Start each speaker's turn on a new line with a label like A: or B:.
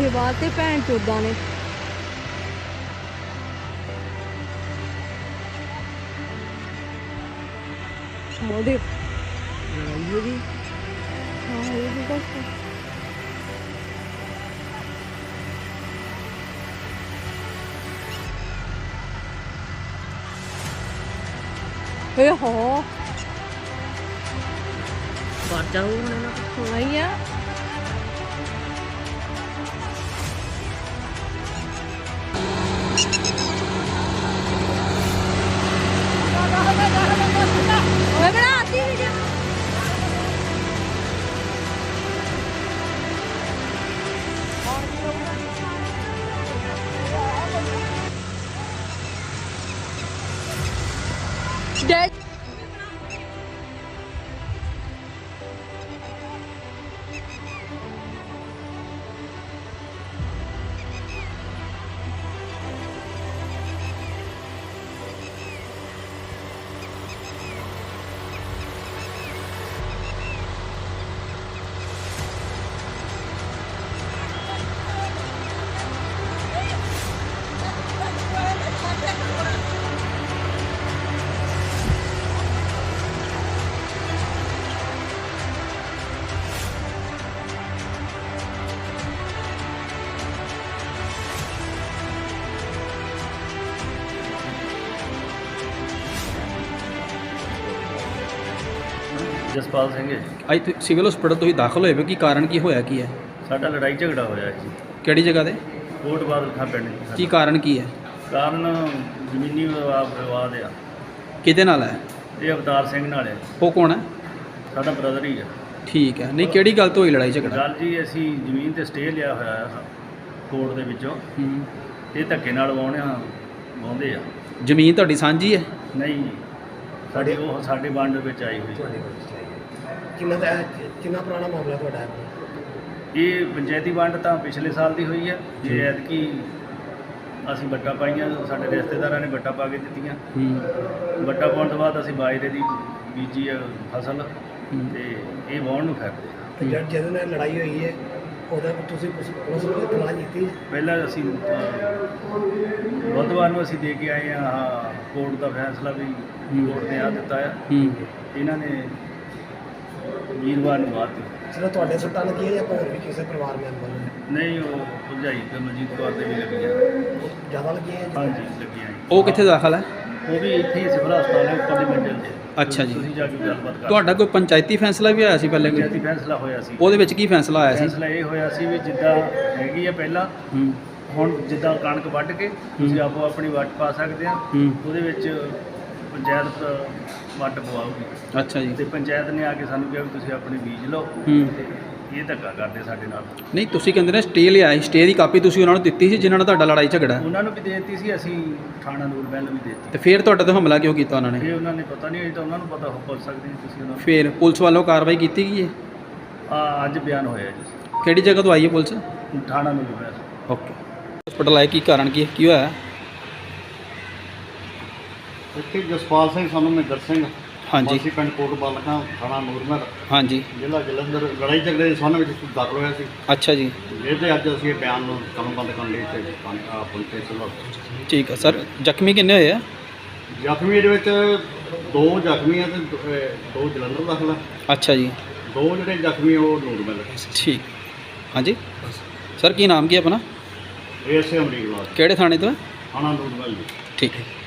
A: ਪੈਸੇ ਬਾਅਦ ਤੇ ਭੈਣ ਚੋਦਾਂ ਨੇ। ਉਹਦੇ ਲੜਾਈ ਹੋ ਗਈ। ਹਾਂ ਹੋ ਗਈ ਬਸ। ਇਹ ਹੋ ਬਾਜਾ ਹੋਣਾ ਹੀ ਆ। ਓਏ ਬਣਾ ਆਤੀ ਵੀਡੀਓ। ਡੈਡ
B: ਜਸਪਾਲ ਸਿੰਘ ਹੈ ਜੀ।
C: ਅੱਜ ਸਿਵਲ ਹਸਪੀਟਲ ਤੁਸੀਂ ਦਾਖਲ ਹੋਏ ਹੋ, ਕੀ ਕਾਰਨ ਕੀ ਹੋਇਆ ਕੀ ਹੈ?
B: ਸਾਡਾ ਲੜਾਈ ਝਗੜਾ ਹੋਇਆ ਜੀ
C: ਕਿਹੜੀ ਜਗ੍ਹਾ ਤੇ?
B: ਕੋਟ ਬਾਦਲ ਖਾਂ ਪਿੰਡ ਜੀ।
C: ਕੀ ਕਾਰਨ ਕੀ ਹੈ?
B: ਕਾਰਨ ਜ਼ਮੀਨੀ ਵਿਵਾਦ ਆ।
C: ਕਿਹਦੇ ਨਾਲ ਹੈ?
B: ਇਹ ਅਵਤਾਰ ਸਿੰਘ ਨਾਲ ਹੈ।
C: ਉਹ ਕੌਣ ਹੈ?
B: ਸਾਡਾ ਬ੍ਰਦਰ ਹੀ ਆ।
C: ਠੀਕ ਹੈ। ਨਹੀਂ ਕਿਹੜੀ ਗੱਲ ਤੋਂ ਹੋਈ ਲੜਾਈ ਝਗੜਾ?
B: ਗੱਲ ਜੀ ਅਸੀਂ ਜ਼ਮੀਨ ਤੇ ਸਟੇ ਲਿਆ ਹੋਇਆ ਆ ਕੋਰਟ ਦੇ ਵਿੱਚੋਂ।
C: ਹੂੰ।
B: ਇਹ ਧੱਕੇ ਨਾਲ ਵਾਹੁੰਦੇ ਆ।
C: ਜ਼ਮੀਨ ਤੁਹਾਡੀ ਸਾਂਝੀ ਹੈ?
B: ਨਹੀਂ ਉਹ ਸਾਡੇ ਵੰਡ ਵਿੱਚ ਆਈ ਹੋਈ।
D: ਕਿੰਨਾ ਪੁਰਾਣਾ ਮਾਮਲਾ ਤੁਹਾਡਾ ਹੈ?
B: ਇਹ ਪੰਚਾਇਤੀ ਵੰਡ ਤਾਂ ਪਿਛਲੇ ਸਾਲ ਦੀ ਹੋਈ ਹੈ। ਜੇ ਐਤਕੀ ਅਸੀਂ ਵੱਟਾਂ ਪਾਈਆਂ, ਸਾਡੇ ਰਿਸ਼ਤੇਦਾਰਾਂ ਨੇ ਵੱਟਾਂ ਪਾ ਕੇ ਦਿੱਤੀਆਂ। ਵੱਟਾਂ ਪਾਉਣ ਤੋਂ ਬਾਅਦ ਅਸੀਂ ਬਾਜਰੇ ਦੀ ਬੀਜੀ ਫਸਲ ਤੇ ਇਹ ਵਾਹੁਣ ਨੂੰ ਫਿਰਦੇ।
D: ਜਿਹਦੇ ਨਾਲ ਲੜਾਈ ਹੋਈ ਹੈ ਉਹਦਾ ਤੁਸੀਂ ਪੁਲਿਸ ਨੂੰ ਇਤਲਾਹ ਕੀਤੀ?
B: ਪਹਿਲਾਂ ਅਸੀਂ ਬੁੱਧਵਾਰ ਨੂੰ ਅਸੀਂ ਦੇ ਕੇ ਆਏ ਹਾਂ ਕੋਰਟ ਦਾ ਫੈਸਲਾ ਵੀ ਕੋਰਟ ਨੇ ਆ ਦਿੱਤਾ ਆ। ਇਹਨਾਂ ਨੇ ਵੀਰਵਾਰ ਨੂੰ ਬਾਅਦ
D: ਸਿਰਫ ਤੁਹਾਡੇ ਸੱਟਾਂ ਲੱਗੀਆਂ ਜਾਂ ਹੋਰ ਵੀ ਕਿਸੇ ਪਰਿਵਾਰ ਮੈਂਬਰ ਨੂੰ?
B: ਨਹੀਂ ਉਹ ਭਰਜਾਈ ਤੇ ਮਨਜੀਤ ਕੌਰ ਦੇ ਵੀ ਲੱਗੀਆਂ।
D: ਜ਼ਿਆਦਾ ਲੱਗੀਆਂ?
B: ਹਾਂਜੀ ਲੱਗੀਆਂ।
C: ਉਹ ਕਿੱਥੇ ਦਾਖਲ ਹੈ?
B: ਉਹ ਵੀ ਇੱਥੇ ਹੀ ਸਿਵਲ ਹਸਪਤਾਲ ਹੈ ਉੱਪਰ ਦੀ ਮੰਜ਼ਿਲ 'ਤੇ।
C: ਅੱਛਾ ਜੀ।
B: ਤੁਸੀਂ ਜਾ ਕੇ ਗੱਲਬਾਤ ਕਰ।
C: ਤੁਹਾਡਾ ਕੋਈ ਪੰਚਾਇਤੀ ਫੈਸਲਾ ਵੀ ਹੋਇਆ ਸੀ ਪਹਿਲੇ?
B: ਪੰਚਾਇਤੀ ਫੈਸਲਾ ਹੋਇਆ ਸੀ।
C: ਉਹਦੇ ਵਿੱਚ ਕੀ ਫੈਸਲਾ ਆਇਆ ਸੀ?
B: ਫੈਸਲਾ ਇਹ ਹੋਇਆ ਸੀ ਵੀ ਜਿੱਦਾਂ ਹੈਗੀ ਆ ਪਹਿਲਾਂ, ਹੁਣ ਜਿੱਦਾਂ ਕਣਕ ਵੱਢ ਕੇ ਤੁਸੀਂ ਆਪੋ ਆਪਣੀ ਵੱਟ ਪਾ ਸਕਦੇ ਆ। ਉਹਦੇ ਵਿੱਚ ਪੰਚਾਇਤ ਵੱਟ ਪਵਾਉਗੀ।
C: ਅੱਛਾ ਜੀ।
B: ਤੇ ਪੰਚਾਇਤ ਨੇ ਆ ਕੇ ਸਾਨੂੰ ਕਿਹਾ ਵੀ ਤੁਸੀਂ ਆਪਣੀ ਬੀਜ ਲਓ। ਤੇ ਇਹ ਧੱਕਾ ਕਰਦੇ ਸਾਡੇ ਨਾਲ।
C: ਨਹੀਂ ਤੁਸੀਂ ਕਹਿੰਦੇ ਨੇ ਸਟੇ ਲਿਆ ਸੀ, ਸਟੇ ਦੀ ਕਾਪੀ ਤੁਸੀਂ ਉਹਨਾਂ ਨੂੰ ਦਿੱਤੀ ਸੀ ਜਿਨ੍ਹਾਂ ਨਾਲ ਤੁਹਾਡਾ ਲੜਾਈ ਝਗੜਾ?
B: ਉਹਨਾਂ ਨੂੰ ਵੀ ਦੇ ਦਿੱਤੀ ਸੀ, ਅਸੀਂ ਥਾਣਾ ਨੂਰਮਹਿਲ ਨੂੰ ਵੀ ਦੇ ਦਿੱਤੀ।
C: ਤੇ ਫਿਰ ਤੁਹਾਡੇ ਤੇ ਹਮਲਾ ਕਿਉਂ ਕੀਤਾ ਉਹਨਾਂ ਨੇ?
B: ਇਹ ਉਹਨਾਂ ਨੇ ਪਤਾ ਨਹੀਂ, ਅਜੇ ਤਾਂ ਉਹਨਾਂ ਨੂੰ ਪਤਾ ਹੋ ਪੁੱਛ ਸਕਦੇ ਜੀ ਤੁਸੀਂ ਉਹਨਾਂ ਨੂੰ।
C: ਫਿਰ ਪੁਲਿਸ ਵੱਲੋਂ ਕਾਰਵਾਈ ਕੀਤੀ ਗਈ ਹੈ?
B: ਅੱਜ ਬਿਆਨ ਹੋਇਆ ਜੀ।
C: ਕਿਹੜੀ ਜਗ੍ਹਾ ਤੋਂ ਆਈ ਹੈ ਪੁਲਿਸ?
B: ਥਾਣਾ ਨੂਰਮਹਿਲ।
C: ਓਕੇ। ਹਸਪੀਟਲ ਆਏ, ਕੀ ਕਾਰਨ ਕੀ ਹੋਇਆ?
E: ਇੱਥੇ ਜਸਪਾਲ ਸਿੰਘ ਸਾਨੂੰ ਮਹਿੰਦਰ ਸਿੰਘ
C: ਹਾਂਜੀ।
E: ਅਸੀਂ ਪਿੰਡ ਕੋਟ ਬਾਦਲ ਖਾਂ ਥਾਣਾ ਨੂਰਮਹਿਲ
C: ਹਾਂਜੀ।
E: ਜ਼ਿਲ੍ਹਾ ਜਲੰਧਰ ਲੜਾਈ ਝਗੜੇ ਦੇ ਸੰਬੰਧ ਵਿੱਚ ਦਾਖਲ ਹੋਇਆ ਸੀ।
C: ਅੱਛਾ ਜੀ।
E: ਜਿਹਦੇ ਅੱਜ ਅਸੀਂ ਇਹ ਬਿਆਨ ਨੂੰ ਕਲਮਬੰਦ ਕਰਨ ਲਈ ਇੱਥੇ ਪਹੁੰਚੇ ਸੀ।
C: ਠੀਕ ਹੈ ਸਰ। ਜ਼ਖਮੀ ਕਿੰਨੇ ਹੋਏ ਆ?
E: ਜ਼ਖਮੀ ਦੇ ਵਿੱਚ 2 ਜ਼ਖਮੀ ਆ ਤੇ 2 ਜਲੰਧਰ ਦਾਖਲ ਆ।
C: ਅੱਛਾ ਜੀ।
E: 2 ਜਿਹੜੇ ਜ਼ਖਮੀ ਉਹ ਨੂਰਮਹਿਲ।
C: ਠੀਕ। ਹਾਂਜੀ ਸਰ, ਕੀ ਨਾਮ ਕੀ ਆਪਣਾ?
E: ਇਹ ਸੇ ਅਮਰੀਕ ਲਾਲ
C: ਕਿਹੜੇ ਥਾਣੇ ਤੋਂ ਹੈ?
E: ਥਾਣਾ ਨੂਰਮਹਿਲ ਜੀ।
C: ਠੀਕ ਹੈ।